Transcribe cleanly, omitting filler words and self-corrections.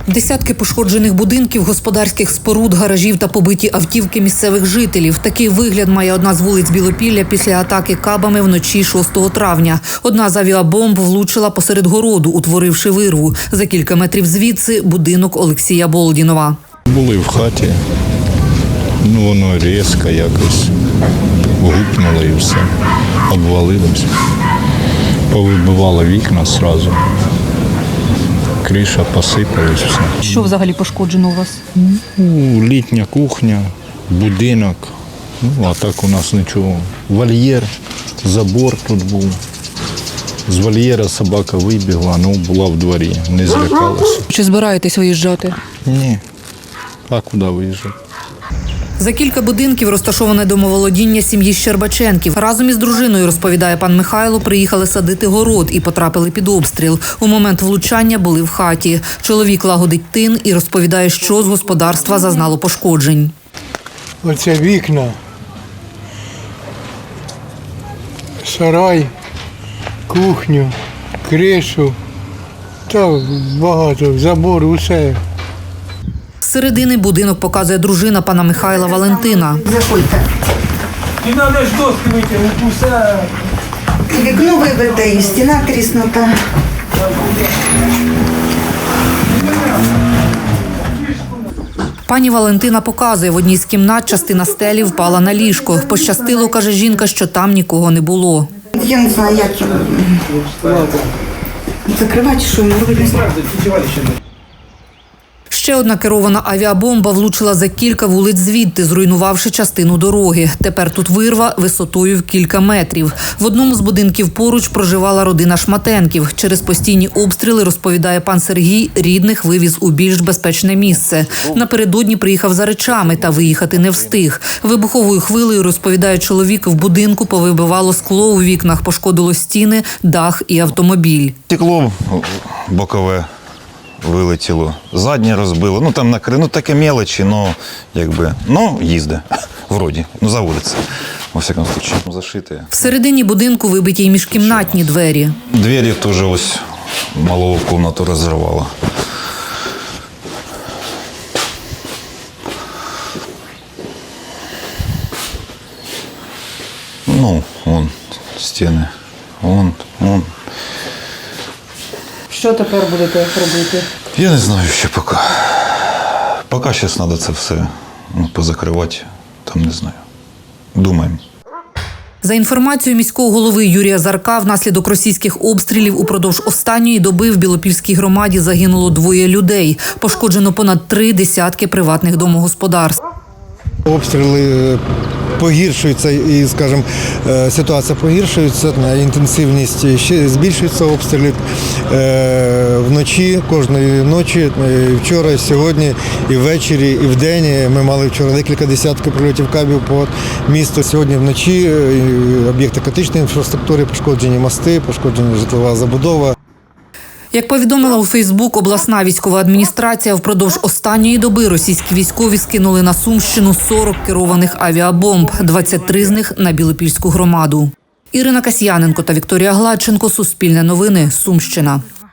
Десятки пошкоджених будинків, господарських споруд, гаражів та побиті автівки місцевих жителів. Такий вигляд має одна з вулиць Білопілля після атаки кабами вночі 6 травня. Одна з авіабомб влучила посеред городу, утворивши вирву. За кілька метрів звідси – будинок Олексія Болдінова. Були в хаті, воно різко якось гупнуло і все, обвалилося. Повибивало вікна одразу. Криша посипалась, все. Що взагалі пошкоджено у вас? Літня кухня, будинок, а так у нас нічого. Вольєр, забор тут був. З вольєра собака вибігла, була в дворі, не злякалася. Чи збираєтесь виїжджати? Ні, а куди виїжджати? За кілька будинків розташоване домоволодіння сім'ї Щербаченків. Разом із дружиною, розповідає пан Михайло, приїхали садити город і потрапили під обстріл. У момент влучання були в хаті. Чоловік лагодить тин і розповідає, що з господарства зазнало пошкоджень. Оце вікна, сарай, кухню, кришу, та багато, забор, усе. З середини будинок показує дружина пана Михайла Валентина. Заходьте. Не треба ж доски витягнути, усе. Вікно вибите і стіна тріснута. Пані Валентина показує, в одній з кімнат частина стелі впала на ліжко. Пощастило, каже жінка, що там нікого не було. Я не знаю, як його закривати, що йому робити. Ще одна керована авіабомба влучила за кілька вулиць звідти, зруйнувавши частину дороги. Тепер тут вирва висотою в кілька метрів. В одному з будинків поруч проживала родина Шматенків. Через постійні обстріли, розповідає пан Сергій, рідних вивіз у більш безпечне місце. Напередодні приїхав за речами та виїхати не встиг. Вибуховою хвилею, розповідає чоловік, в будинку повибивало скло у вікнах, пошкодило стіни, дах і автомобіль. Стекло бокове вилетіло, заднє розбило, там накрив, таке мелочі, їзде, вроді, заводиться, во всякому случае, зашите. Всередині будинку вибиті й міжкімнатні двері. Двері теж ось малого кімнату розірвало. Вон стіни, вон. Що тепер будете робити? Я не знаю ще поки. Поки зараз треба це все позакривати, не знаю. Думаємо. За інформацією міського голови Юрія Зарка, внаслідок російських обстрілів упродовж останньої доби в Білопільській громаді загинуло 2 людей. Пошкоджено понад 3 десятки приватних домогосподарств. Обстріли погіршуються і, скажімо, ситуація погіршується, інтенсивність ще збільшується обстрілів. Вночі, кожної ночі, вчора, сьогодні, і ввечері, і вдень. Ми мали вчора декілька десятків прильотів кабів по місту. Сьогодні вночі об'єкти критичної інфраструктури, пошкоджені мости, пошкоджена житлова забудова. Як повідомила у Фейсбук обласна військова адміністрація, впродовж останньої доби російські військові скинули на Сумщину 40 керованих авіабомб, 23 з них на Білопільську громаду. Ірина Касьяненко та Вікторія Гладченко. Суспільне новини. Сумщина.